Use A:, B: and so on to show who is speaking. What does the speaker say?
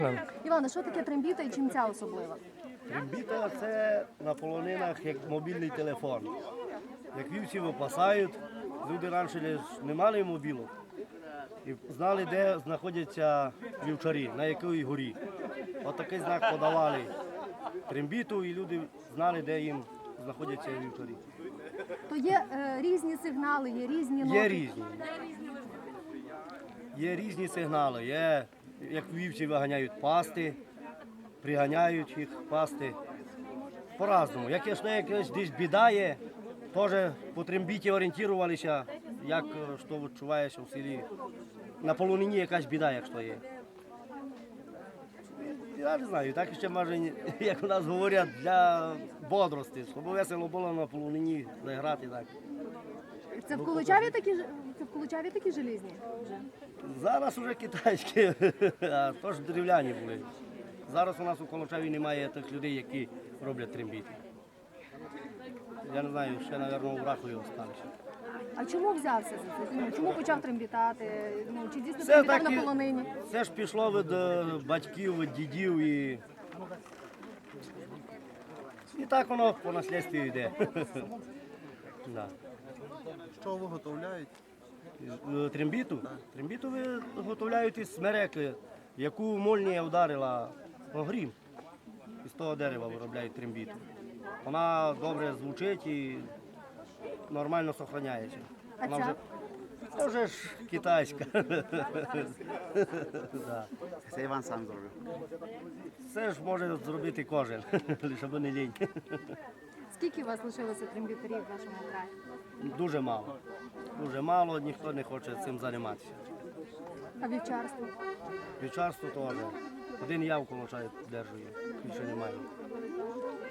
A: Іване, що таке трембіта і чим ця особлива?
B: Трембіта – це на полонинах як мобільний телефон. Як вівці випасають, люди раніше не мали мобілок і знали, де знаходяться вівчарі, на якій горі. От такий знак подавали трембіту, і люди знали, де їм знаходяться вівчарі.
A: То є різні сигнали, є різні ноти.
B: Є різні. Є різні сигнали. Є, як вівці виганяють пасти, приганяють їх пасти. По-разному. Як якась десь біда є, теж по трембіті орієнтувалися, як що відчуваєш у селі. На полонині якась біда, якщо є. Я не знаю, так ще може, як у нас говорять, для бодрості, щоб весело було на полонині заграти так.
A: Це в Колочаві такі желізні?
B: Зараз вже китайські, а то ж дерев'яні були. Зараз у нас у Колочаві немає тих людей, які роблять трембіти. Я не знаю, ще, мабуть, у Рахові залишилися.
A: А чому взявся за це? Чому почав трембітати? Чи дійсно трембітав на полонині?
B: Це ж пішло від батьків, від дідів і так воно по наслідству йде. Да.
C: Що виготовляють?
B: Трембіту? Трембіту виготовляють із смереки, яку молнія вдарила грім. Із того дерева виробляють трембіту. Вона добре звучить і нормально зберігається.
A: А ця?
B: Це вже ж китайська. Да.
C: Це Іван сам зробив.
B: Це ж може зробити кожен, лише би не лінь.
A: Скільки у вас лишилося трембітарів в вашому краї?
B: Дуже мало. Дуже мало, ніхто не хоче цим займатися.
A: А вівчарство?
B: Вівчарство теж. Один я в Колочаві держу, більше немає.